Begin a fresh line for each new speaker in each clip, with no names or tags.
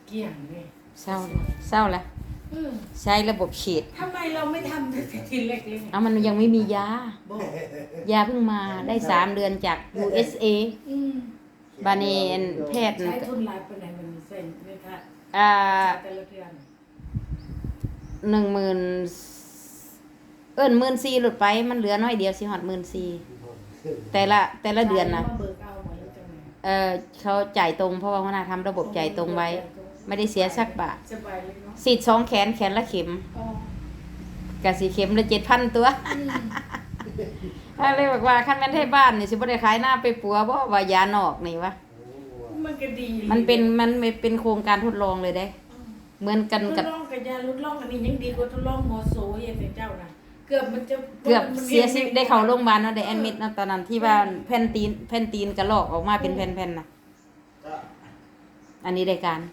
เกี่ยงเลย
เศร้าเศร้าละใช้ระบบฉีด
ทำไมเราไม่ทำแต่ทีเล็กๆ
เอามันยังไม่มียา
บอก
ยาเพิ่งมาได้3 เดือนจาก USA บาเนนแพทย์
ใช้ทุนหลายปานใดมันเส้นเลยค่ะแต่ละเดือน
10,00014,000หลุดไปมันเหลือน้อยเดียวสิฮอด14,000แต่ละเดือนนะเขาจ่ายตรงเพราะว่าหัวหน้าทำระบบจ่ายตรงไว้ไม่ได้เสียสักบาทฉีด2 แขนละเข็มกะสิเข็มละ 7,000 ตัวถ้าเลยบอกว่าคันแม่นไทบ้านนี่สิบ่ได้ขายหน้าไปปัวบ่ว่ายานอกนี่วะ
มันก็ดี
มันเป็นโครงการทดลองเลยเด้เหมือนกันกับ
ทดลองกับยาลดลองอันนี้ยังดีกว่าทดลองหมอโสอย่างเจ้าน่ะเกือบ
เสียชีวิตได้เข้าโรงพยาบาลเนาะได้แอดมิดเนาะตอนนั้นที่ว่าแผ่นตีนกระลอกออกมาเป็นแผ่นๆน่ะอันนี้ได้การ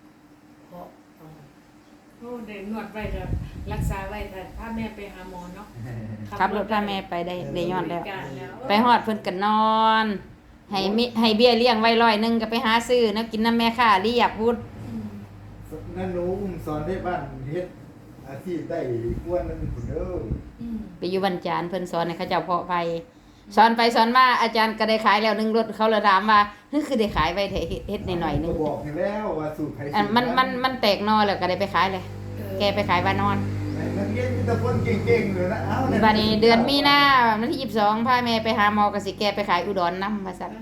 โอ้ได้นวดไว้ก็รักษาไว้แต่ถ้าแม่ไปหาหมอเนาะ
ขับรถพาแม่ไปได้ยอดแล้วไปฮอดเพิ่นก็นอนให้เบี้ยเลี้ยงไว้100ก็ไปหาซื้อนะกินน้ำแม่ค่าเรียบพุด
นั่นหนูสอนได้บ้านเฮ็ดอาชีพได้กวนนั่นพุ่นเด้อ
ไปอยู่บรรจารเพิ่นสอนให้เขาเจ้าเพาะไปสอนไปสอนมาอาจารย์ก็ได้ขายแล้ว1รถเขาเลยถามว่าคือได้ขายไว้เฮ็ดหน่อยๆนึง
บอกให้แล้วว่าสูตรไผ
มันแตกนอแล้วก็ได้ไปขายเลยแกไปขายบ้านนอน
นักเรียนมีแต่คนเก่งๆเลยนะเอ้า
บัดนี้เดือนมีนาวันที่22พาแม่ไปหาหมอก็สิแกไปขายอุดรนำว่าซั่น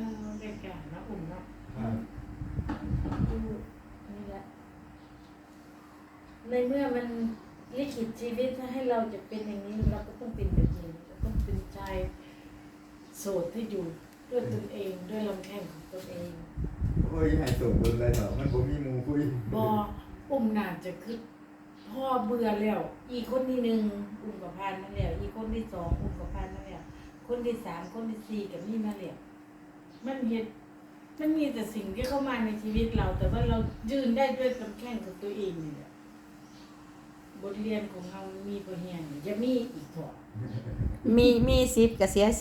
ในเมื่อมันลิขิตชีวิตให้เราจะเป็นอย่างนี้เราก็ต้องเป็นแบบนี้เราต้องเป็นชายโสดที่อยู่ด้วยตนเองด้วยลำแข้งของตนเอง
โอ้ยให้โสดโดนเลยเหรอมันบ่มีหมู่คุย
บ่น่าจะคือพ่อเบื่อแล้วอีกคนที่1กับพานนั่นแหละอีกคนที่2กับพานนั่นแหละคนที่3คนที่4กับนี่มาแล้วมันมีแต่สิ่งที่เข้ามาในชีวิตเราแต่ว่าเรายืนได้ด้วยลำแข้งของตัวเองนี่แหละบทเรียนของเรามีบ่เฮียนจะมีอีกเถอะ
มี10ก็เสีย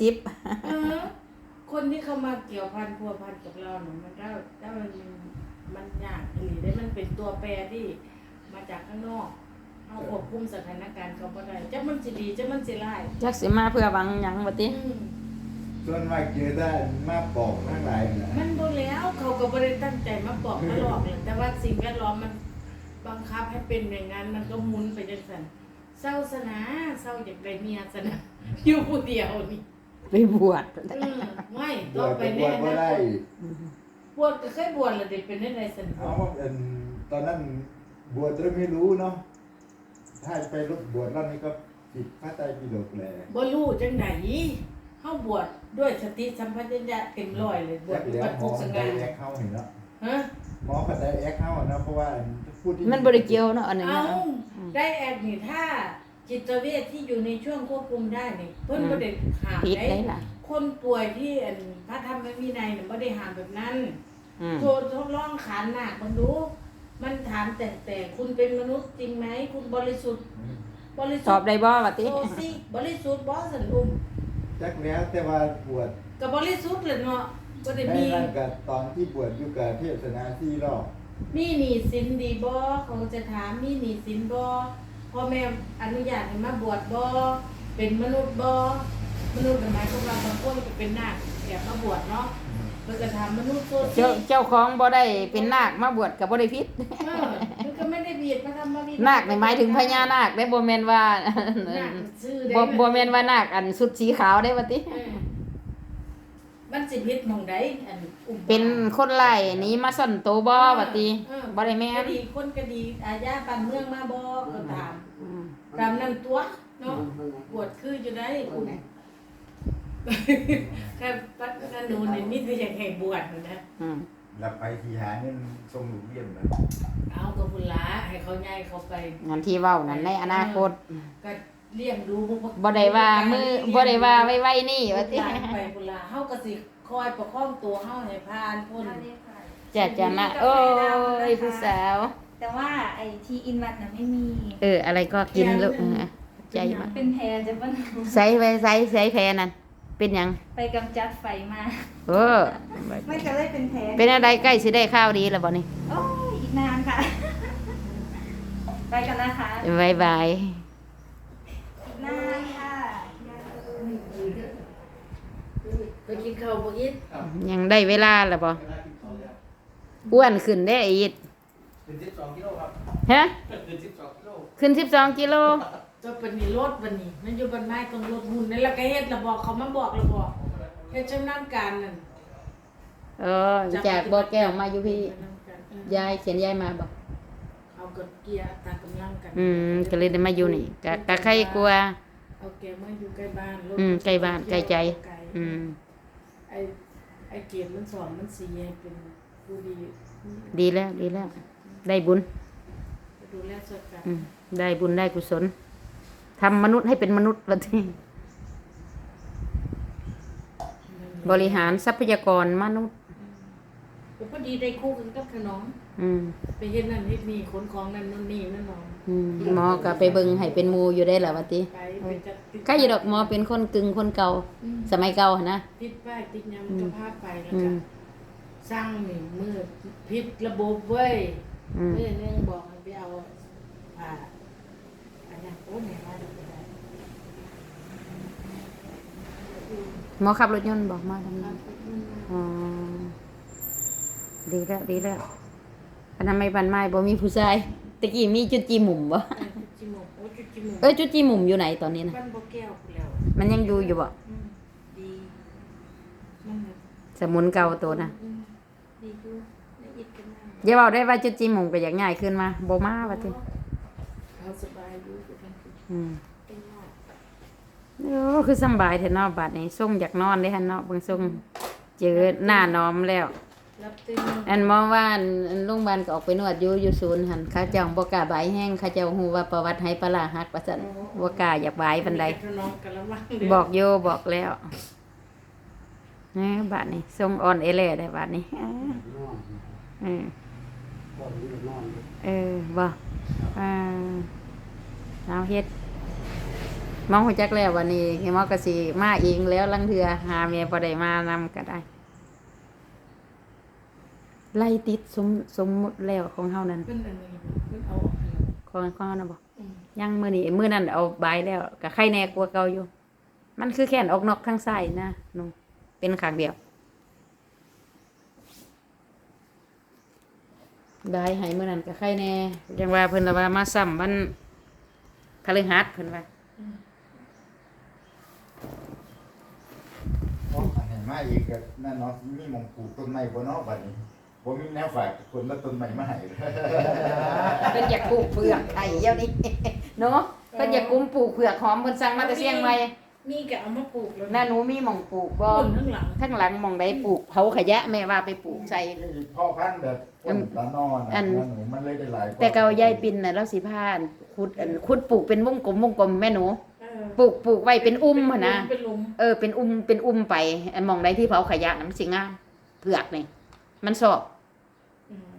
10
คนที่เข้ามาเกี่ยวพันพัวพันกับเราเนี่ยมันก็ถ้ามันยากหรือได้มันเป็นตัวแปรที่มาจากข้างนอกเอาควบคุมสถานการณ์เขาบ่ได้จะมันสิดีจะมันสิร้าย
จักสิมาเพื่อหวังหยังบ่ติ
ส่วนมากเจอได้มาบอกทั้งหลายน่ะ
มันบ่แล้วเขาก็บ่ได้ตั้งใจมาบอกมาหลอกเลยแต่ว่าสิ่งแวดล้อมมันบังคับให้เป็นอย่างนั้นมันก็หมุนไปจังซั่นเศร้าซะนะเศร้าอยากได้เมียซะนะอยู่ผู้เดียวนี่
ไปบวช
ไม่ต้องไปแน่นะบวชก็เคยบวชแล้วเด็กเป็นได้ไรสัน
เอาตอนนั้นบวชจะไม่รู้เนาะถ้าไปบวชรอบนี้ก็ผิดพระไตรปิฎกแหละ
บ่รู้จังได๋เฮาบวชด้วยสติสัมปชัญญะเต็มร้อยเลยบวช
ปัจจุบันได้แอคเข้าเห็นแล้ว
ฮะ
หมอก็ได้แอคเข้านะเพราะว่า
พูดที่มันบ่ได้เกี่ยวเนาะอันนี้
ได้แอคนี่ถ้าจิตเวชที่อยู่ในช่วงควบคุมได้นี่เพิ่นบ่ได้ห้ามได้คนป่วยที่พระธรรมวินัยน่ะบ่ได้ห้ามแบบนั้นทดลองขานหนักมันดูมันถามแต่คุณเป็นมนุษย์จริงไหมคุณบริสุทธิ์
ตอบได้บ่ว่าติ
โอ้สิบริสุทธิ์บ่สันอุ้ม
จักแล้วแต่ว่าบวช
ก็บริสุทธิ์แหละเนาะบ่ได้มี
นั่นก็ตอนที่บวชอยู่กับเทศนา4 รอบ
มีหนี้สินดีบ่เขาจะถามมีหนี้สินบ่พ่อแม่อนุญาตให้มาบวชบ่เป็นมนุษย์บ่มนุษย์หมายความว่าบางคนก็เป็นนาคแบบมาบวชเนาะเพิ่นก็ถามมนุษย์ตัว
เจ้าของบ่ได้เป็นนาคมาบวชก็บ่ได้ผิด
มันก็ไม่ได้ผิดพระธรรมวินัย
นาคนี่หมายถึงพญานาคได้บ่แม่นว่าบ่แม่นว่านาคอันชุดสีขาวได้ว่าติ
มันสิผิดหม่องใด
เป็นคนไล่หนีมาซ่อนโตบ่ว่าติบ่ได้แม่น
ดีคนก็ดีอาญาบ้านเมืองมาบ่ก็ตามนั้นตัวเนาะบวชคืออยู่ได้ค่ะปัจจุบันนี่มีแต่อยากให้บวชนะ
แล้วไปที่หาเงินส่งลูกเรียนนะ
เอากับพุ่นละให้เขาใหญ่เขาไป
งั้นที่เว้านั่นในอนาคต
ก็เลี้ยงดู
บ่ได้ว่าบ่ได้ว่าไว้นี่ว่าติ
ไปพุ่นละเฮาก็สิคอยประคองตัวเฮาให้ผ่านพ้น
จะนะโอ้ยผู้สาว
แต่ว่าไอ้ที่อินวัดน่ะไม่มี
อะไรก็กินลูกใจมาก
เป็นแพรจะบ่
ใส่แพรนั่นเป็นหยัง
ไปกำจัดไฟมา
ไม่
ก็เลยเป็นแพร
เป็นอะไรใกล้สิได้ข้าวดีแล้วบ่นี่
โอ้ยอีกนานค่ะไปกันนะคะ
บ๊ายบาย
หน้าค่ะ
ไปกินข้าวบ่อิด
ยังได้เวลาแล้วบ่อ้วนขึ้นได้ออีด
เป็น12 กิโลครับ
ฮะ
เป็น12 กิโล
ขึ้น12กิโล
จะเป็นนี่รถบัดนี้มันอยู่บนไม้ตรงรถหุ่นนั่นแล้วก็เฮ็ดแล้วบอกเขามาบอกแล้วบอกเฮ็ดชำนาญการนั่น
จากบ่อแก้วมาอยู่พี่
ชำนาญการ
ยายเขียนยายมาบ่
เอากดเกียร์อัตรากำลังกัน
ก็เลยได้มาอยู่นี่กะใครกลัว
เอาแกมาอยู่ใกล้บ้านรถ
ใกล้บ้านใกล้ใจ
ไอ้เกียรติมันสอนมันสีให้เป็นผู้ดี
ดีแล้วดีแล้ว ได้บุญ
ดูแลสดกัน
ได้บุญได้กุศลทำมนุษย์ให้เป็นมนุษย์วันที่บริหารทรัพยากรมนุษย์
พอดีได้คู่กันกับขนมไปเฮ็ดนั่นเฮ็ดนี่ขนของนั่นนู่นนี่นั่นน้อง
หมอก็ไปเบิ่งให้เป็นหมูอยู่ได้แหละวันที่
ไปจัดติด
ก็อยู่ดอกหมอเป็นคนกึ่งคนเก่า สมัยเก่าหั่นนะ
ติดป้ายติดยำกระพาไปแล้วก็สร้างนี่มือผิดระบบเว้ยมือนึงบอกให้ไปเอาผ่าอันนั้นโอ้แม่มาดูได้
หมอขับรถยนต์บอกมาทำนั้นอ๋อดีแล้วดีแล้วอันนั้นไม่ปันไม้บ่มีผู้ชายตะกี้มีจุดจีหมุมบ่
จุดจิมกโอ้จุดจิมก
จุดจีหมุมอยู่ไหนตอนนี้นะ
บ้านบ่แก้วพู้นแล้ว
มันยังอยู่อยู่บ่
ดีนั่นน่ะ
สมุนเก่าตัวนะ
ดีอยู่ละเอียดกันมาก
อย่าเว้าได้ว่าจุดจีหมุมก็อยากง่ายขึ้นมาบ่มาว่าติ
เขาสบายอยู่อยู่ทั้งคืน เป็นยอด
คือสำบายแท้เนาะบัดนี้ส่งอยากนอนได้หั่นเนาะเบิ่งส่งเจอหน้าน้อมแล้ว
รับตื่น
อันหมอว่าอันโรงพยาบาลก็ออกไปนวดอยู่ศูนย์หั่นเขาเจ้าบ่กล้าบายแห้งเขาเจ้าฮู้ว่าประวัติไหปลาร้าหักว่าซั่นบ่กล้าอยากบายปานใด
มีแต่น้องกะละมังเด้
บอกโยบอกแล้วนี่บัดนี้ส่งออนเอเล่ได้บัดนี้เออบ่เอาเฮ็ดมองหัวจักแล้ววันนี้เฮมอก็สิมาเองแล้วลังเทือหาเมียบ่ได้มานำก็ได้ ไล่ติดสมมุติแล้วของเฮานั่น
เพิ่นอันนี้เพิ่นเอาออกให้แล้ว
ของเฮานั่นบ่
อืม
ยังมื้อนั้นเอาบายแล้วก็ไข้แน่กว่าเก่าอยู่ มันคือแขนออกนอกข้างซ้ายนะนุ่มเป็นข้างเดียวบายให้มื้อนั้นก็ไข้แน่จังว่าเพิ่นว่ามาซ้ำวันพฤหัสเพิ่นว่า
อันไหนมาอีกก็นั่นเนาะมีหมองปลูกต้นไม้บ่เนาะบัดนี้บ่มีแนวฝากคนมาต้นไม้มาให้เลย
เพิ่นอยากปลูกเผือกไอ้เดี๋ยวนี้ เนาะเพิ่นอยากกุมปลูกเผือกหอมเพิ่นสั่งมาแต่เชียงใหม่
นี่ก็เอามาปลูกแล้ว
น่าหนูมีหม่องปลูกบ่
ต้นข้างหลัง
ข้างหลังหม่องใดปลูกเผาขยะแม่ว่าไปปลูกใส่
พ่อพันธุ์แบบต้นละนอน
อัน
หนูมันเลยได้หลาย
แต่เก่ายายปิ่นน่ะเราสิพานขุดปลูกเป็นวงกลมแม่หนู
เออ
ปลูกไว้เป็นอุ้มหั่นนะ
เป็นหลุม
เป็นอุ้มไปอันหมองใดที่เผาขยะน่ะมันสิงามเผือกนี่มันชอบ
อืม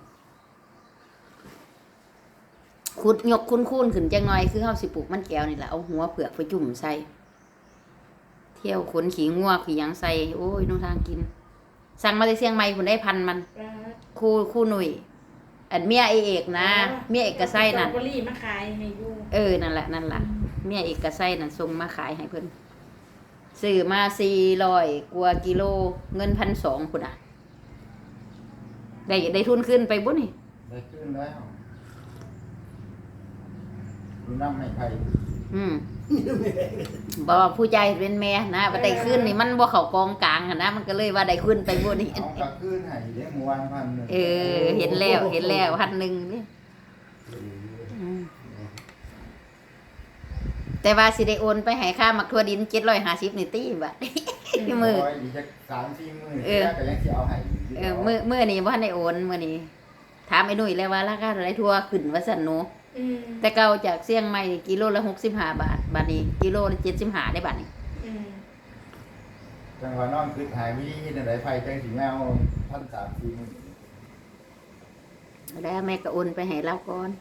ขุดยกคุ้นๆขึ้นจังหน่อยคือเฮาสิปลูกมันแก้วนี่แหละเอาหัวเผือกไปจุ่มใส่เที่ยวขนขี้งัวขี้หยังใส่โอ้ยน้องทางกิน สั่งมาจากเชียงใหม่พุ่นได้พันมัน
ปลา
คู่หนุ่ยอันเมียไอเอกนะเมียเอกกระไส้นั่น
สตรอเบอรี่มาขายให้อยู่
นั่นแหละเมียเอกกระไส้นั่นส่งมาขายให้เพิ่นซื้อมา400กว่ากิโลเงิน1,200พุ่นน่ะได้ทุนขึ้นไปบ่นี่
ได้ขึ้นแล้วดูน้ำไม่ไผ่
บ่ผู้ใจเป็นแม่นะว่าได้ขึ้นนี่มันบ่เข้ากองกลางหั่นนะมันก็เลยว่าได้ขึ้นไปบ่นี่
เอากลับขึ้นให้เด้เมื่อวานพันหนึ่ง
เห็นแล้ว1,000นี่แต่ว่าสิได้โอนไปให้ค่ามักทั่วดิน750นี่ตีบัด มือ
อีกจัก3-4 มื้อ
เออ
ก็ยังสิเอาให้อยู่
มื้อนี้บ่ทันได้โอนมื้อนี้ถามไอ้หนุ่ยแล้วว่าราคาเท่าไหร่ทั่วขึ้นว่าซั่นหนู
อืม
แต่เก่าจากเชียงใหม่กิโลละ65 บาทบัดนี้กิโลละ75ได้บัดนี้
อืม
จังหวะนอนคือหายวิธีจังได๋ไผจังสิมาเอา1,300-4,000มื้อ
แล้วแม่ก็โอนไปให้เราก่อน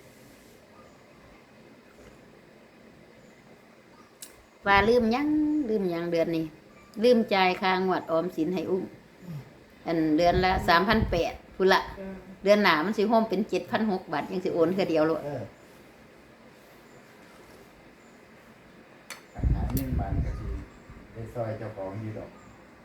ว่าลืมยังเดือนนี้ลืมจ่ายค่างวดออมสินให้อุ้มอันเดือนละ 3,800พุ่นละ
เออ
เดือนหน้ามันสิโฮมเป็น7,600 บาทยังสิโอนคือเดียวโลด
ปัญหานี่มันก็คือในซอยเจ้าของอยู่ดอก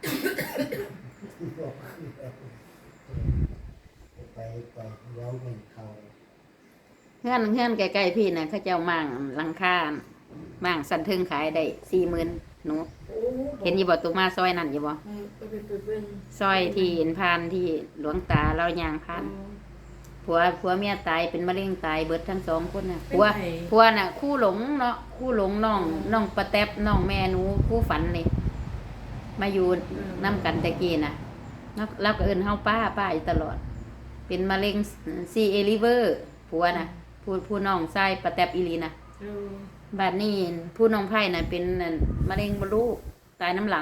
ไปเว้ามันเขา
เฮือนใกล้ๆพี่น่ะเขาเจ้ามั่างหลังคามั่างสั่นเทิงขายได้ 40,000หนู
โอ้
เห็นอยู่บ่ตุมาซอยนั่นอยู่บ่
ไปเบิ่ง
ซอยที่เห็นผ่านที่หลวงตาเราย่างผ่านผัวเมียตายเป็นมะเร็งตายเบิดทั้งสองคนน่ะผัวน่ะคู่หลงเนาะคู่หลงน้องปะแตบน้องแม่หนูคู่ฝันนี่มาอยู่นํกันตะกี้น่ะแล้วก็เอิ้นเฮาป้าอยู่ตลอด เป็นมะเร็งซีเอลิเวอร์ผัวน่ะผู้น้องชายปะแตบอีหลีน่ะบัดนี้ผู้น้องไผ่น่ะเป็นมะเร็งมดลูกตายน้ำหลัง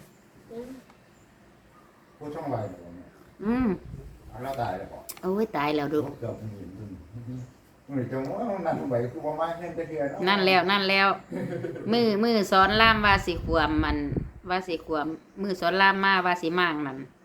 ผู้ช่องไวเหรอเนี่ย เอาแล้วตายแล้วบอก
โอ้ยตายแล้วดู
เกือบหมื่นทุนมันจะว่านั่นทำไมคือประมาณเงินจะเดือน
นั่นแล้วมือสอนล่ามว่าสิขวมมันว่าสิขวมมือสอนล่ามมาว่าสิมางนั่น